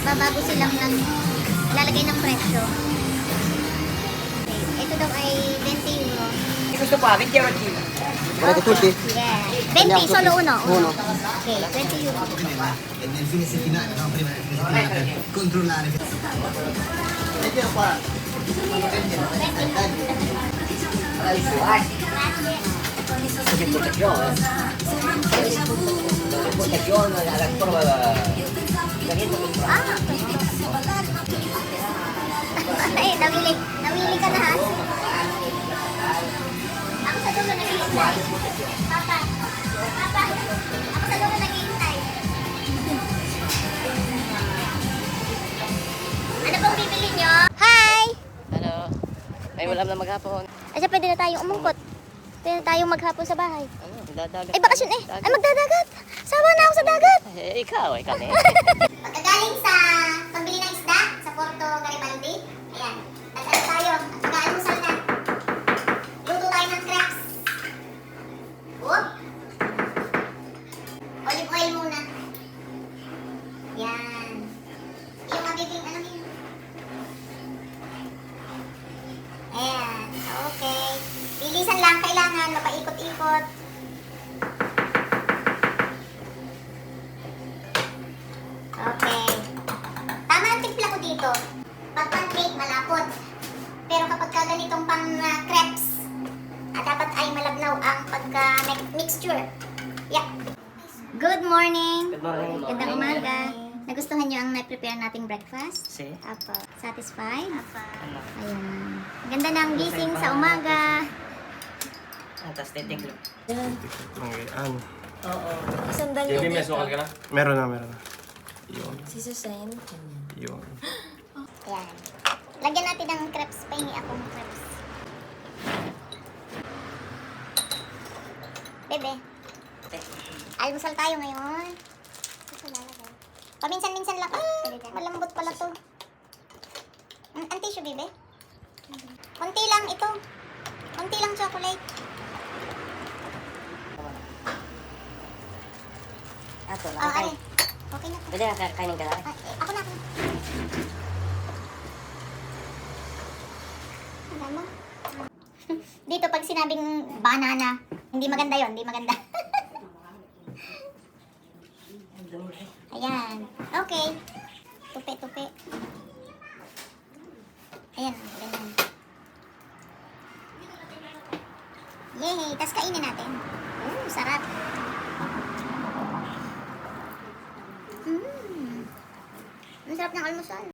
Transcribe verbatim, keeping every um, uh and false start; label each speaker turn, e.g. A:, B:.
A: Magbabago silang ng lalagay ng presyo. Okay. Ito daw ay twenty euro.
B: Questo qua, venti euro al chilo.
C: Volete tutti?
A: Yeah. twenty, solo uno.
C: Uno.
A: Okay, twenty euro.
D: E nel fine settimana, no? Prima del fine settimana per controllare.
C: Vediamo qua.
B: Che protezione. Protezione alla prova da
A: Ah! Ay, nawili. Nawili ka na ha? Ako sa dulo naghihintay. Papa. Papa. Ako sa dulo naghihintay. Ano pong bibili nyo? Hi!
B: Ano? Ay, wala na maghapon.
A: Ay, siya pwede na tayong umungkot. Pwede na tayong maghapon sa bahay.
B: Ano? Dadagat.
A: Ay, bakasyon eh. Ay, magdadagat. Sawa na ako sa dagat.
B: Eh, ikaw, eh, kami.
A: Pagkagaling sa pagbili ng isda sa Porto Garibaldi, ayan, nag-ano tayo, nag-aalmusal na. Luto tayo ng crepes. Whoop! Olive oil muna. Yan. Yung magiging, ano yun? Ayan, okay. Bilisan lang, kailangan mapaikot-ikot. Okay. Tama ang timpla ko dito. Pag pancake, malapot. Pero kapag ka ganitong pang uh, crepes, ah, dapat ay malabnaw ang pagka-mixture. Yeah. Good morning.
B: Good morning.
A: Gandang umaga. Nagustuhan niyo ang na-prepare nating breakfast?
B: Si?
A: Apo. Satisfied?
B: Ano?
A: Ayan. Ganda ng gising sa umaga.
B: Ah, tapos titiglo.
C: Ano?
B: Oo.
E: Isandal
F: Jadi
E: niya
F: may sukal ka na?
C: Meron na, meron na. Yun.
E: si Susan.
C: Yun.
A: Ayan. Lagyan natin ng crepes. Pahingi akong crepes. Bebe. Almusal tayo ngayon. Ito lalagay. Paminsan-minsan lang. Ah, malambot pala to. Mm, ang tissue, bebe. Konti lang ito. Konti lang chocolate.
B: Ato,
A: Ah, ay. Okay na to.
B: Pwede na ka- kainin ka na?
A: Ah, eh, ako na ako. Alam mo? Dito pag sinabing banana, hindi maganda yon, hindi maganda. Ayan. Okay. Tupi-tupi. Ayan, ganyan. Yay! Tapos kainin natin. Ooh, sarap. Mmm. Ang sarap ng almusal.